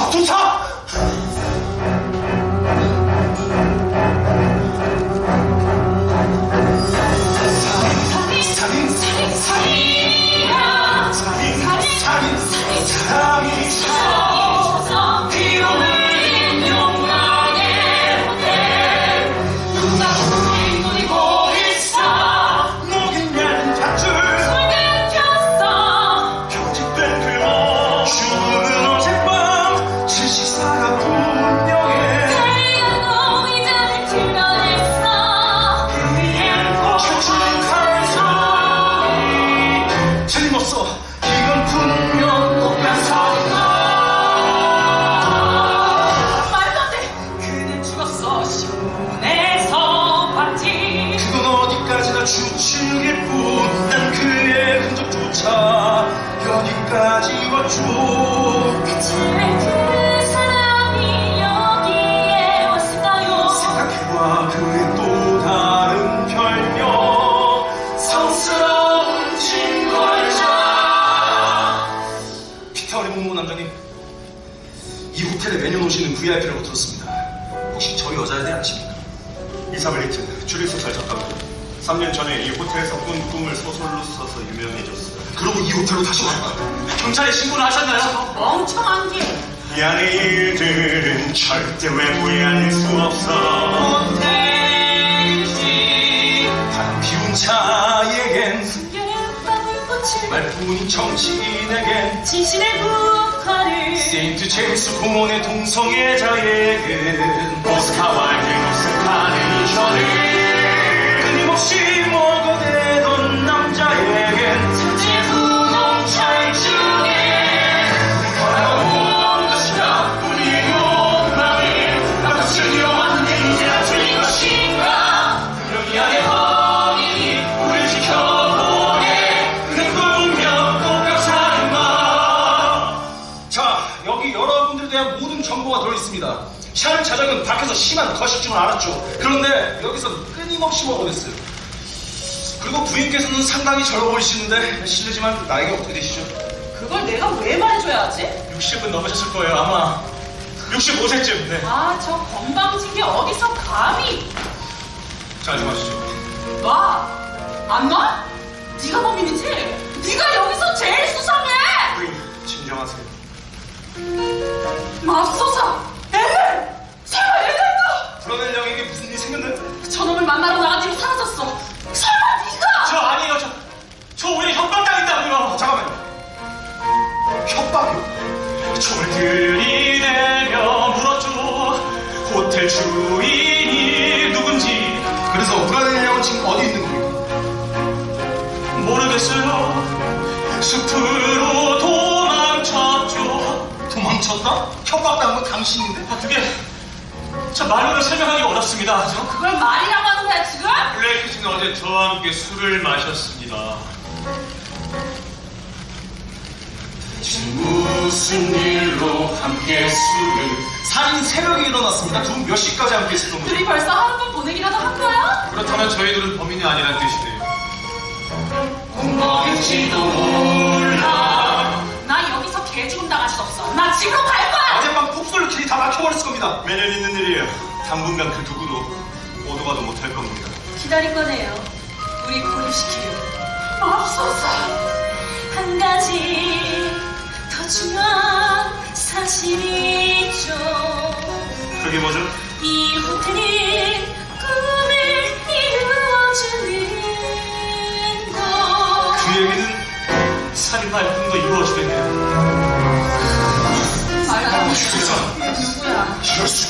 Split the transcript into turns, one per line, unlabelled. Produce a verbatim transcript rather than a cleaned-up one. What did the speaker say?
도착! 살인, 살인, 살인, 살인이야. 살인, 살인, 살인, 살인, 사랑이 쳐서 피어올린 욕망의 호텔. 누가 우리 노리고 있어. 목인 면 밧줄 손에 폈어. 편집된 글로 죽은 어젯밤 질식사가 분명해. 달려도 의자를 드러냈어. 그의 멈춘 칼소리 틀림없어. 이건 분명 똑같은 사건. 말도 안 돼. 그는 죽었어. 신문에서 봤지. 그건 어디까지나 추측일 뿐. 난 그의 흔적조차 여기까지 왔죠.
대체 그 사람이 여기에 왔을까요?
생각해봐. 그의 또 다른 별명 성스러운 징벌자. 피터리 문무 남장님, 이 호텔에 매년 오시는 브이아이피라고 들었습니다. 혹시 저 여자에 대해 아십니까?
이사벨리트, 추리소설 작가고 삼 년 전에 이 호텔에서 꾼 꿈을 소설로 써서 유명해졌어요.
그러고 이 호텔로 다시 왔다. 경찰에 신고를 하셨나요?
멍청한 게
이 안의 일들은 절대 외부에 알릴 수 없어.
호텔이지. 바람 피운 자에겐,
숨겨봤던 꽃을
말뿐인 정치인에겐,
진실의 국화를
세인트 제임스 공원의 동성애자에겐,
오스카와 대노스카는 이전을
끊임없이 먹어대던 남자에겐,
천재 부동찰 중에
돌아온 것이다. 우리의 욕망을 나도 즐겨왔는데 이제야 틀린 것인가. 여기 안에 범인이 우릴 지켜보네. 그는 분명 똑같사는가. 자, 여기 여러분들에 대한 모든 정보가 들어있습니다. 샤른 자작은 밖에서 심한 거식증을 알았죠. 그런데 여기서 끊임없이 먹어댔어요. 그리고 부인께서는 상당히 젊어 보이시는데 실례지만 나이가 어떻게 되시죠?
그걸 내가 왜 말해줘야 하지?
육십은 넘으셨을 거예요. 아마 육십오 세쯤. 네.
아, 저 건방진 게 어디서 감히.
자, 좀 하시죠.
놔! 안 놔? 네가 범인이지? 네가 여기서 제일 수상해!
부인, 진정하세요.
맙소사! 엘렌! 설마 엘렌도!
브라넬 양에게 무슨 일이 생겼나요?
저놈을 만나러 나간 뒤로 사라졌어. 설마 네가!
저 아니에요. 저, 저 오히려 협박당했다고요. 잠깐만요. 협박이요? 총을 들이대며 물었죠. 호텔 주인이 누군지. 그래서 브라넬 양은 지금 어디 있는 겁니까? 모르겠어요. 숲으로 도망쳤죠. 도망쳤다? 협박당한 건 당신인데? 아, 그게 저 말로는 설명하기 어렵습니다. 저
그걸 말이라고 하는 거야 지금?
블레이크 씨는 어제 저와 함께 술을 마셨습니다. 무슨 일로 함께 술을? 살인 새벽에 일어났습니다. 두 분 몇 시까지 함께 있었던 거죠?
둘이 벌써 하룻밤 보내기라도 한 거야?
그렇다면 저희들은 범인이 아니란 뜻이네요.
뭔지도 몰라. 나 여기서 개죽음 당할 수 없어. 나 집으로 갈 거야.
어젯밤 폭설로 길이 다 막혀버렸을 겁니다.
매년 있는 일이에요. 당분간 그 누구도 오도 가도 못할 겁니다.
기다릴 거네요. 우리 고립시키려. 맙소사. 한 가지 더 중요한 사실이 있죠.
그게 뭐죠?
이 호텔이 꿈을 이루어주는 곳.
그 얘기는 살인마의 꿈도 이루어지겠네요.
말하는
진짜
누구야?
이럴 수가.